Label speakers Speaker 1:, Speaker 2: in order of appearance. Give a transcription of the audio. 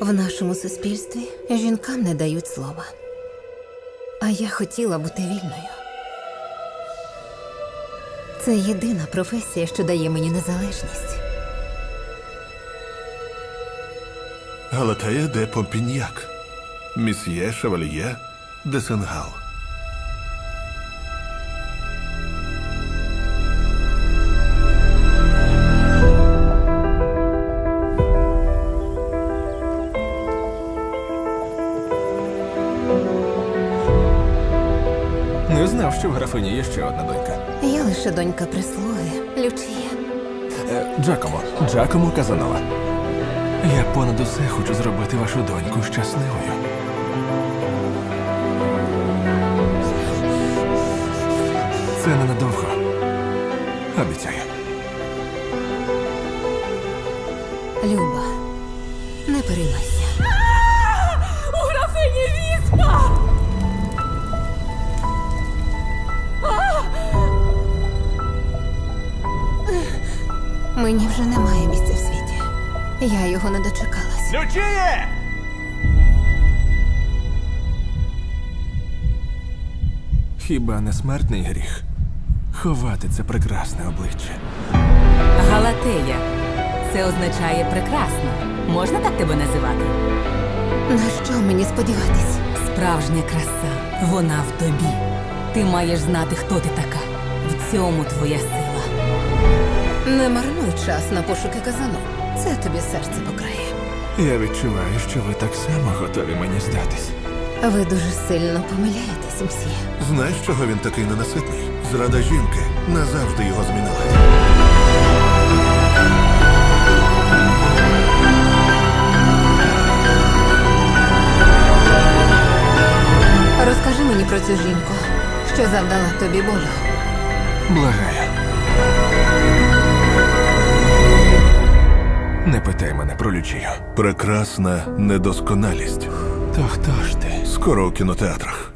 Speaker 1: В нашому суспільстві жінкам не дають слова. А я хотіла бути вільною. Це єдина професія, що дає мені незалежність.
Speaker 2: Галатея де Помпіньяк, Місьє Шевальє де Сенгал.
Speaker 3: Не знав, що в графині є ще одна донька.
Speaker 1: Я лише донька прислуги, Лючія.
Speaker 3: Джакомо Казанова. Я понад усе хочу зробити вашу доньку щасливою. Це ненадовго. Обіцяю.
Speaker 1: Люба, не переймайся.
Speaker 4: У графині віспа!
Speaker 1: Мені вже немає місця в світі. Я його не дочекалась.
Speaker 3: Лючіє! Хіба не смертний гріх ховати це прекрасне обличчя?
Speaker 4: Галатея. Це означає прекрасно. Можна так тебе називати?
Speaker 1: На що мені сподіватись?
Speaker 4: Справжня краса. Вона в тобі. Ти маєш знати, хто ти така. В цьому твоя сила.
Speaker 1: Не марнуй час на пошуки казану. Це тобі серце покрає.
Speaker 3: Я відчуваю, що ви так само готові мені здатись.
Speaker 1: Ви дуже сильно помиляєтесь, мсьє.
Speaker 2: Знаєш, чого він такий ненаситний? Зрада жінки назавжди його змінила.
Speaker 1: Розкажи мені про цю жінку, що завдала тобі болю.
Speaker 3: Благаю. Не питай мене про Лючію.
Speaker 2: Прекрасна недосконалість.
Speaker 3: То хто ж ти?
Speaker 2: Скоро у кінотеатрах.